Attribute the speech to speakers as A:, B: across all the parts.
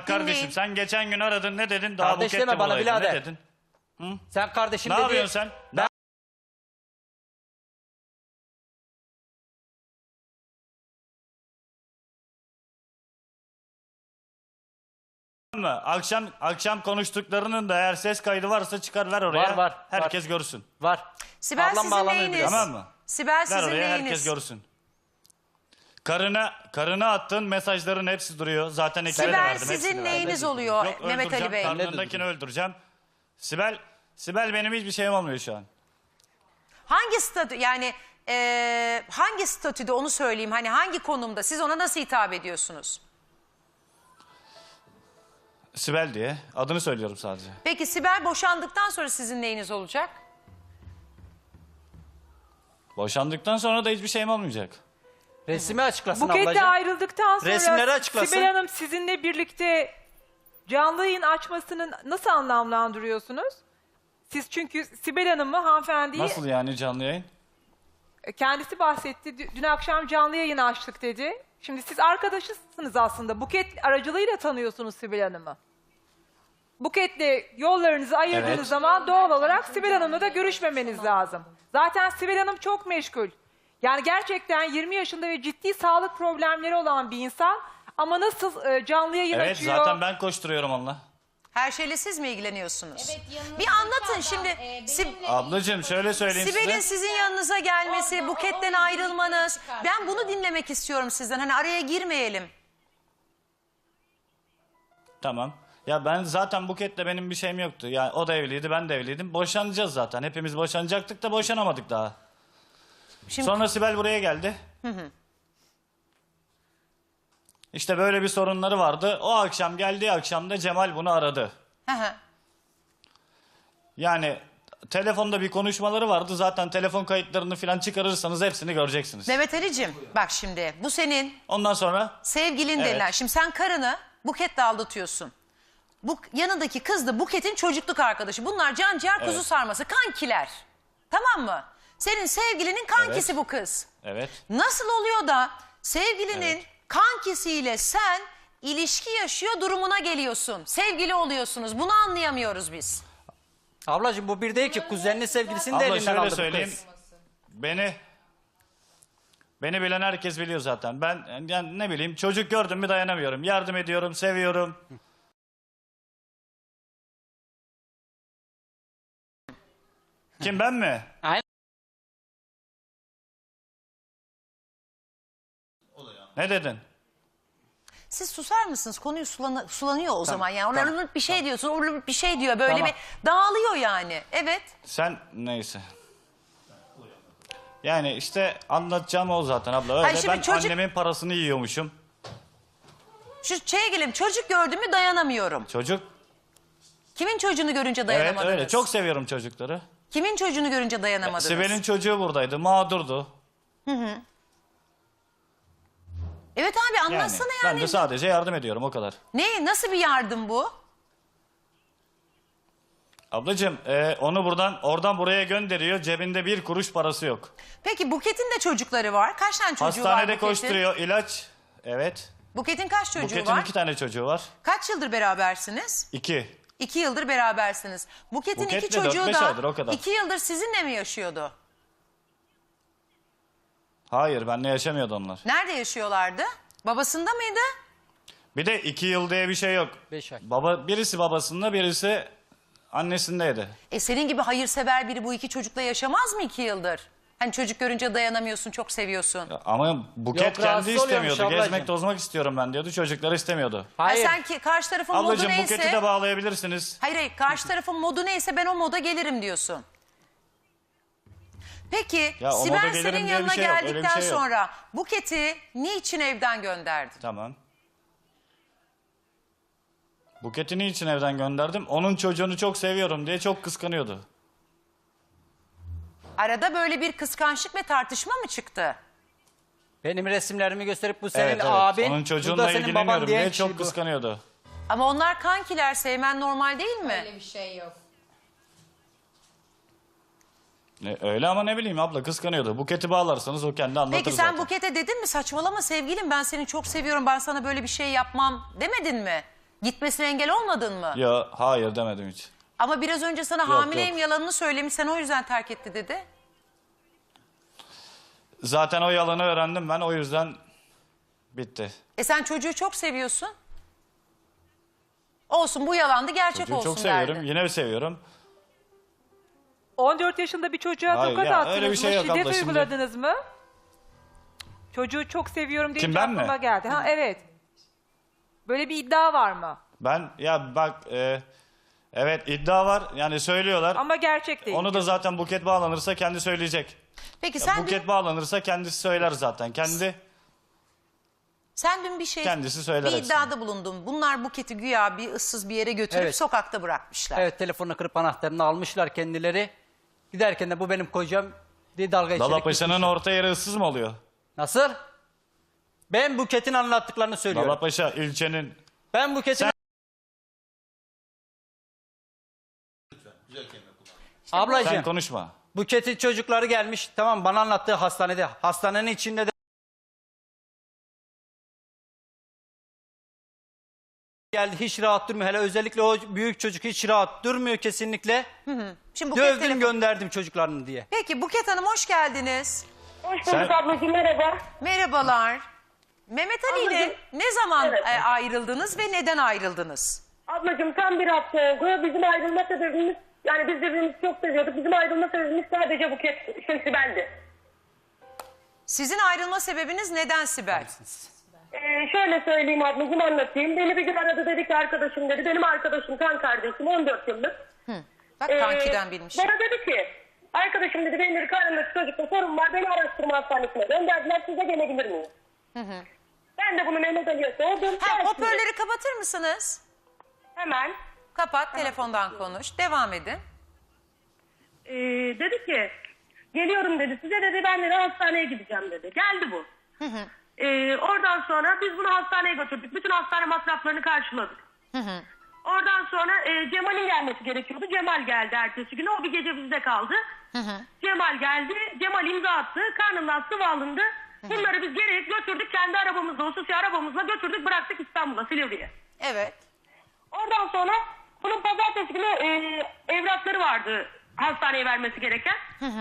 A: kardeşim.
B: dinleyin.
A: Sen geçen gün aradın, ne dedin? Daha
C: Kardeş
A: Buket'le
C: deme bana
A: olaydı.
C: birader.
A: Ne dedin?
C: Sen kardeşim
A: Ne
C: dedi.
A: yapıyorsun sen? Akşam konuştuklarının da eğer ses kaydı varsa çıkar, ver oraya.
C: Var,
A: Herkes
C: var.
A: görsün.
C: Var.
B: Sibel
C: Ablam
B: sizin
C: bağlanıyor
B: neyiniz?
C: biraz.
A: Tamam mı?
B: Sibel
A: Ver
B: sizin
A: oraya, herkes
B: neyiniz?
A: görsün. Karına attığın mesajların hepsi duruyor. Zaten ekibe de
B: Sibel
A: verdim.
B: sizin
A: hepsini
B: neyiniz
A: verdim.
B: oluyor
A: Yok,
B: Mehmet Ali
A: öldüreceğim,
B: Bey?
A: karnındakini öldüreceğim. Sibel benim hiçbir şeyim olmuyor şu an.
B: Hangi statü yani hangi statüde onu söyleyeyim, hani hangi konumda, siz ona nasıl hitap ediyorsunuz?
A: Sibel diye. Adını söylüyorum sadece.
B: Peki Sibel boşandıktan sonra sizin neyiniz olacak?
A: Boşandıktan sonra da hiçbir şeyim olmayacak.
C: Resmi açıklasın
D: Buket'le
C: ablacığım.
D: ayrıldıktan sonra
C: Resimleri açıklasın.
D: Sibel Hanım sizinle birlikte canlı yayın açmasını nasıl anlamlandırıyorsunuz? Siz çünkü Sibel Hanım'ı, hanımefendiyi
A: Nasıl yani canlı yayın?
D: kendisi bahsetti. Dün akşam canlı yayın açtık dedi. Şimdi siz arkadaşısınız aslında. Buket aracılığıyla tanıyorsunuz Sibel Hanım'ı. Buket'le yollarınızı ayırdığınız
A: Evet.
D: zaman doğal olarak Sibel Hanım'la da görüşmemeniz lazım. Zaten Sibel Hanım çok meşgul. Yani gerçekten 20 yaşında ve ciddi sağlık problemleri olan bir insan. Ama nasıl canlı yayın
A: Evet,
D: açıyor?
A: zaten ben koşturuyorum onunla.
B: Her şeyle siz mi ilgileniyorsunuz?
E: Evet, yanınızdaki
B: Bir anlatın
E: adam,
B: şimdi.
E: benimle
A: Ablacığım şöyle söyleyeyim
B: Sibel'in
A: size.
B: sizin yanınıza gelmesi,
E: Orada,
B: Buket'ten
E: o
B: ayrılmanız.
E: çıkartıyor.
B: Ben bunu dinlemek istiyorum sizden. Hani araya girmeyelim.
A: Tamam. Ya ben zaten Buket'le benim bir şeyim yoktu. Yani o da evliydi, ben de evliydim. Boşanacağız zaten. Hepimiz boşanacaktık da boşanamadık daha.
B: Şimdi
A: Sonra Sibel buraya geldi. İşte böyle bir sorunları vardı. O akşam, geldiği akşam da Cemal bunu aradı.
B: Hı hı.
A: Yani telefonda bir konuşmaları vardı. Zaten telefon kayıtlarını falan çıkarırsanız hepsini göreceksiniz.
B: Mehmet Ali'cim bak şimdi bu senin
A: Ondan sonra
B: sevgilin
A: Evet.
B: denilen. Şimdi sen karını Buket'le aldatıyorsun. Bu yanındaki kız da Buket'in çocukluk arkadaşı. Bunlar can ciğer kuzu
A: Evet.
B: sarması, kankiler. Tamam mı? Senin sevgilinin kankisi
A: Evet.
B: bu kız.
A: evet.
B: Nasıl oluyor da sevgilinin
A: Evet.
B: kankisiyle sen ilişki yaşıyor durumuna geliyorsun? Sevgili oluyorsunuz. Bunu anlayamıyoruz biz.
C: Ablacığım bu bir değil ki. Kuzeninin sevgilisini de
A: Abla
C: elinden
A: şöyle
C: aldı bu
A: söyleyeyim.
C: kız.
A: Beni bilen herkes biliyor zaten. Ben yani ne bileyim, çocuk gördüm mü dayanamıyorum. Yardım ediyorum, seviyorum. Kim, ben mi?
C: Aynen.
A: Ne dedin?
B: Siz susar mısınız? Konuyu sulanıyor o zaman. Yani
C: tamam,
B: oralık bir şey diyorsun, oralık bir şey diyor. Böyle
C: Tamam.
B: bir dağılıyor yani. Evet.
A: Sen neyse. Yani işte anlatacağım o zaten abla. Öyle
B: Hayır, şimdi
A: ben
B: çocuk-
A: annemin parasını yiyormuşum.
B: Şu şeye gelelim. Çocuk gördüm mü dayanamıyorum.
A: Çocuk.
B: Kimin çocuğunu görünce
A: Evet
B: dayanamadınız?
A: öyle. Çok seviyorum çocukları.
B: Kimin çocuğunu görünce dayanamadınız?
A: Sibel'in çocuğu buradaydı. Mağdurdu.
B: Evet abi anlatsana
A: Ben
B: yani.
A: de sadece yardım ediyorum, o kadar.
B: Ne? Nasıl bir yardım bu?
A: Ablacığım onu oradan buraya gönderiyor. Cebinde bir kuruş parası yok.
B: Peki Buket'in de çocukları var. Kaç tane çocuğu var
A: Hastanede
B: Buket'in?
A: koşturuyor, ilaç. Evet.
B: Buket'in kaç çocuğu
A: Buket'in
B: var?
A: 2 tane çocuğu var.
B: Kaç yıldır berabersiniz?
A: 2.
B: 2 yıldır berabersiniz. Buket'in
A: Buket'le
B: iki çocuğu
A: 4-5
B: da
A: aydır, o kadar.
B: 2 yıldır sizinle mi yaşıyordu?
A: Hayır, benimle yaşamıyordu onlar.
B: Nerede yaşıyorlardı? Babasında mıydı?
A: Bir de 2 yıl diye bir şey yok.
C: 5 ay.
A: Birisi babasında, birisi annesindeydi.
B: Senin gibi hayırsever biri bu iki çocukla yaşamaz mı 2 yıldır? Hani çocuk görünce dayanamıyorsun, çok seviyorsun.
A: Ama Buket
C: Yok,
A: kendi
C: rahatsız oluyormuş
A: istemiyordu.
C: ablacığım.
A: Gezmek tozmak istiyorum ben diyordu. Çocukları istemiyordu.
C: Hayır.
B: Ha, sen ki karşı tarafın modu
A: Ablacığım
B: neyse...
A: Buket'i de bağlayabilirsiniz.
B: Hayır, karşı tarafın modu neyse ben o moda gelirim diyorsun. Peki
A: Ya, o moda
B: Sibel
A: gelirim
B: senin
A: diye bir
B: yanına
A: şey yok, öyle bir
B: geldikten
A: şey yok.
B: sonra Buket'i niçin evden gönderdin?
A: Tamam. Buket'i niçin evden gönderdim? Onun çocuğunu çok seviyorum diye çok kıskanıyordu.
B: Arada böyle bir kıskançlık ve tartışma mı çıktı?
C: Benim resimlerimi gösterip bu senin
A: Evet,
C: abin.
A: Onun
C: bu da
A: çocuğunla
C: senin baban
A: ilgileniyorum
C: diyen
A: diye
C: kişi
A: çok
C: bu.
A: kıskanıyordu.
B: Ama onlar kankiler, sevmen normal değil mi?
E: Öyle bir şey yok.
A: Öyle ama ne bileyim abla, kıskanıyordu. Buket'i bağlarsanız o kendi anlatır
B: Peki sen
A: zaten.
B: Buket'e dedin mi saçmalama sevgilim ben seni çok seviyorum, ben sana böyle bir şey yapmam demedin mi? Gitmesine engel olmadın mı?
A: Ya hayır demedim hiç.
B: Ama biraz önce sana
A: Yok,
B: hamileyim
A: yok.
B: yalanını söylemiş. Sen o yüzden terk etti dedi.
A: Zaten o yalanı öğrendim ben, o yüzden bitti.
B: Sen çocuğu çok seviyorsun. Olsun, bu yalandı, gerçek
A: Çocuğu
B: olsun
A: çok seviyorum,
B: derdi.
A: yine seviyorum.
D: 14 yaşında bir çocuğa
A: Hayır
D: tokat
A: ya,
D: attınız
A: öyle bir şey
D: mı?
A: yok
D: Şiddet
A: abla şimdi.
D: uyguladınız mı? Çocuğu çok seviyorum deyince
A: Kim, ben mi?
D: aklıma geldi. Ha evet. Böyle bir iddia var mı?
A: Ben ya bak evet iddia var yani söylüyorlar.
D: Ama gerçek değil.
A: Onu da zaten Buket bağlanırsa kendi söyleyecek.
B: Peki
A: Ya
B: sen
A: Buket bağlanırsa kendisi söyler zaten.
B: sen dün bir şey,
A: Kendisi söyler
B: bir
A: hepsini.
B: iddiada bulundun. Bunlar Buket'i güya bir ıssız bir yere götürüp
C: Evet.
B: sokakta bırakmışlar.
C: Evet, telefonunu kırıp anahtarını almışlar kendileri. Giderken de bu benim kocam diye dalga geçerek
A: Dalapaşa'nın
C: gitmişler.
A: orta yeri ıssız mı oluyor?
C: Nasıl? Ben Buket'in anlattıklarını söylüyorum.
A: Dalapaşa ilçenin.
C: Ben Buket'in...
A: Sen-
C: Ablacığım,
A: Sen konuşma.
C: Buket'in çocukları gelmiş. Tamam, bana anlattığı hastanede. Hastanenin içinde de geldi, hiç rahat durmuyor. Hele özellikle o büyük çocuk hiç rahat durmuyor kesinlikle.
B: Şimdi Buket
C: Dövdüm
B: telefon-
C: gönderdim çocuklarını diye.
B: Peki Buket Hanım hoş geldiniz.
E: Hoş bulduk
A: Sen-
E: ablacığım, merhaba.
B: Merhabalar. Mehmet Ali ile
E: Ablacığım,
B: ne zaman
E: evet.
B: Ayrıldınız ve neden ayrıldınız?
E: Ablacığım tam bir hafta oldu. Bizim ayrılma sebebimiz, yani biz birbirimizi çok seviyorduk. Bizim ayrılma sebebimiz sadece Buket, Sibel'di.
B: Sizin ayrılma sebebiniz neden Sibel?
E: Şöyle söyleyeyim ablacığım, anlatayım. Beni bir gün aradı, dedi ki arkadaşım dedi. Benim arkadaşım, kan kardeşim, 14 yıllık.
B: Bak kankiden bilmiş.
E: Bana dedi ki, arkadaşım dedi, benim karnımdaki çocukta sorun var. Beni araştırma hastanesine gönderdiler, size gelebilir miyim? Ben de bunu Mehmet Ali'ye sordum.
B: Ha,
E: Gelsin
B: hoparlörü kapatır mısınız?
E: hemen.
B: Kapat, telefondan konuş. Devam edin.
E: Dedi ki geliyorum dedi, size dedi, ben de hastaneye gideceğim dedi. Geldi bu. Oradan sonra biz bunu hastaneye götürdük. Bütün hastane masraflarını karşıladık. Oradan sonra Cemal'in gelmesi gerekiyordu. Cemal geldi ertesi günü. O bir gece bizde kaldı. Cemal geldi. Cemal imza attı. Karnından sıvı alındı. Bunları biz geri götürdük. Kendi arabamızla, hususi arabamızla götürdük. Bıraktık İstanbul'a, Silivri'ye.
B: Evet.
E: Oradan sonra bunun pazartesi günü evrakları vardı hastaneye vermesi gereken.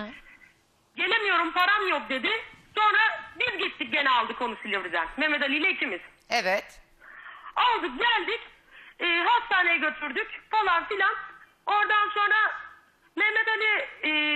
E: Gelemiyorum, param yok dedi. Sonra biz gittik, gene aldık onu Silivri'den. Mehmet Ali ile ikimiz.
B: Evet.
E: Aldık geldik. Hastaneye götürdük falan filan. Oradan sonra Mehmet Ali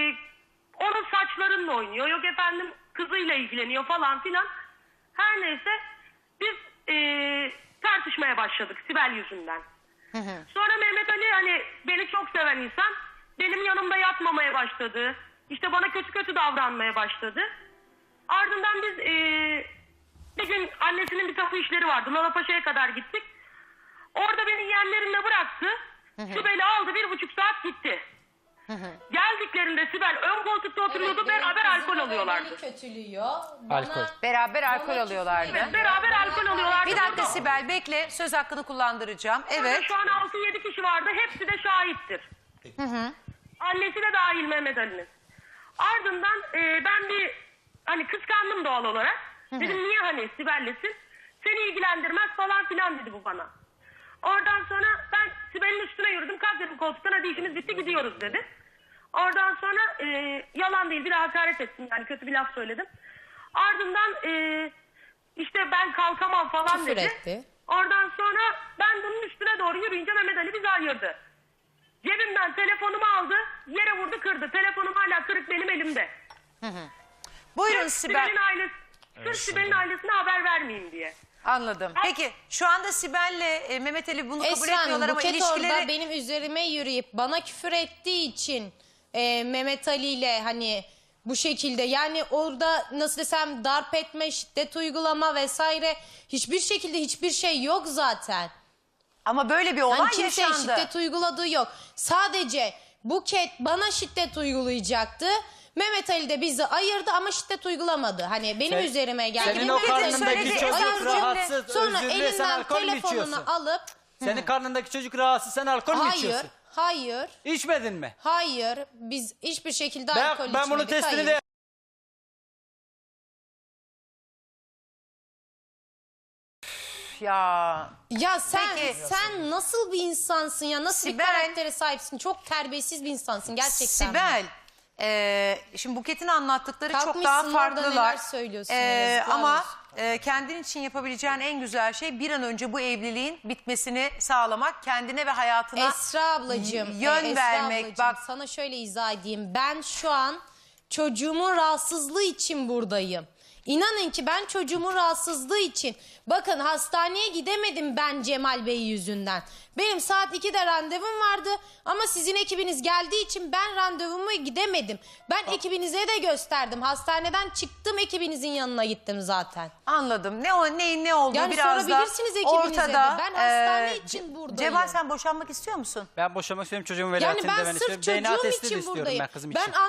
E: onun saçlarınla oynuyor. Yok efendim kızıyla ilgileniyor falan filan. Her neyse biz tartışmaya başladık Sibel yüzünden. Sonra Mehmet Ali, hani beni çok seven insan, benim yanımda yatmamaya başladı. İşte bana kötü kötü davranmaya başladı. Ardından biz bir gün annesinin bir tapu işleri vardı. Lalapaşa'ya kadar gittik. Orada beni yeğenlerimle bıraktı. Sibel'i aldı, 1,5 saat gitti. Geldiklerinde Sibel ön koltukta oturuyordu, beraber alkol alıyorlardı.
F: Kötülüyor.
C: Alkol.
B: Beraber alkol alıyorlardı.
E: Evet, beraber alkol alıyorlardı.
B: Bir dakika
E: Burada-
B: Sibel bekle. Söz hakkını kullandıracağım.
E: Orada
B: Evet.
E: şu an 6-7 kişi vardı. Hepsi de şahittir. Annesi de dahil Mehmet Ali'nin. Ardından ben bir hani kıskandım doğal olarak. Dedim niye hani Sibel'lesin? Seni ilgilendirmez falan filan dedi bu bana. Oradan sonra ben Sibel'in üstüne yürüdüm. Kalk dedim koltuktan, hadi işimiz bitti gidiyoruz dedi. Oradan sonra yalan değil, bir de hakaret ettim, yani kötü bir laf söyledim. Ardından işte ben kalkamam falan
F: Küfür
E: dedi.
F: etti.
E: Oradan sonra ben bunun üstüne doğru yürüyünce Mehmet Ali bizi ayırdı. Cebimden telefonumu aldı, yere vurdu, kırdı. Telefonum hala kırık, benim elimde.
B: Buyurun
E: Sırf
B: Sibel.
E: Sibel'in ailesi, sırf Sibel'in ailesine haber vermeyeyim diye.
B: Anladım. Peki şu anda Sibel'le Mehmet Ali bunu kabul
F: Esra Hanım,
B: etmiyorlar ama
F: Buket
B: ilişkileri...
F: orada benim üzerime yürüyüp bana küfür ettiği için Mehmet Ali ile hani bu şekilde, yani orada nasıl desem darp etme, şiddet uygulama vesaire hiçbir şekilde hiçbir şey yok zaten.
B: Ama böyle bir olay
F: Hani kimseye
B: yaşandı.
F: şiddet uyguladığı yok. Sadece Buket bana şiddet uygulayacaktı. Mehmet Ali de bizi ayırdı ama şiddet uygulamadı. Hani benim üzerime geldi.
C: Senin
F: Benim
C: o
F: üzerime
C: karnındaki
B: söyledi,
C: çocuk
B: ayırdı.
C: rahatsız,
F: Sonra
C: özür dile, sen
F: elinden
C: alkol mü içiyorsun?
F: telefonunu alıp
C: Senin karnındaki çocuk rahatsız, sen alkol mü
F: hayır,
C: içiyorsun?
F: hayır,
C: İçmedin mi?
F: hayır. Biz hiçbir şekilde alkol
C: Ben
F: içmedik.
C: bunu testini
F: hayır.
C: de...
B: ya.
F: Ya sen
B: Peki.
F: sen nasıl bir insansın ya? Nasıl
B: Sibel-
F: bir karaktere sahipsin? Çok terbiyesiz bir insansın gerçekten.
B: Sibel, şimdi Buket'in anlattıkları çok
F: Kalkmışsın
B: daha
F: orada
B: farklılar.
F: neler söylüyorsun, yazıklar
B: Ama
F: olsun.
B: kendin için yapabileceğin en güzel şey bir an önce bu evliliğin bitmesini sağlamak, kendine ve hayatına
F: Esra ablacığım,
B: yön
F: Esra
B: vermek.
F: ablacığım,
B: Bak,
F: sana şöyle izah edeyim. Ben şu an çocuğumun rahatsızlığı için buradayım. İnanın ki ben çocuğumun rahatsızlığı için. Bakın hastaneye gidemedim ben Cemal Bey yüzünden. Benim saat 2'de randevum vardı ama sizin ekibiniz geldiği için ben randevumu gidemedim. Ben ekibinize de gösterdim. Hastaneden çıktım, ekibinizin yanına gittim zaten.
B: anladım. Neyin ne olduğu
F: Yani
B: biraz da
F: sorabilirsiniz ekibinize
B: ortada.
F: de. Ben hastane için buradayım.
B: Cemal, sen boşanmak istiyor musun?
C: Ben boşanmak istiyorum, çocuğumun
F: Yani
C: velayetini de
F: ben
C: ben
F: sırf
C: istiyorum. DNA
F: çocuğum
C: testi de
F: için
C: istiyorum
F: buradayım.
C: ben kızım için.
F: Ben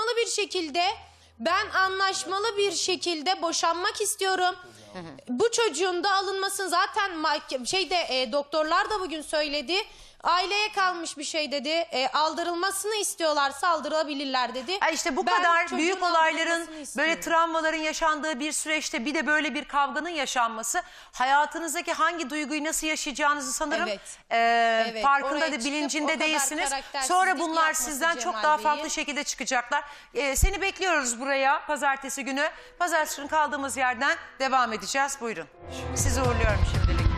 F: anlaşmalı bir şekilde boşanmak istiyorum. Bu çocuğun da alınmasın zaten doktorlar da bugün söyledi. Aileye kalmış bir şey dedi. Aldırılmasını istiyorlarsa aldırabilirler dedi.
B: İşte bu
F: Ben
B: kadar
F: çocuğun
B: büyük olayların,
F: aldırılmasını istiyorum.
B: böyle travmaların yaşandığı bir süreçte bir de böyle bir kavganın yaşanması, hayatınızdaki hangi duyguyu nasıl yaşayacağınızı sanırım
F: Evet. Evet,
B: farkında
F: oraya
B: da
F: çıkıp o
B: bilincinde
F: kadar
B: değilsiniz.
F: karaktersizlik
B: Sonra bunlar
F: yapması
B: sizden çok
F: Cemal
B: daha
F: Bey'i.
B: farklı şekilde çıkacaklar. Seni bekliyoruz buraya pazartesi günü. Pazartesi günü kaldığımız yerden devam edeceğiz. Buyurun. Sizi uğurluyorum şimdilik.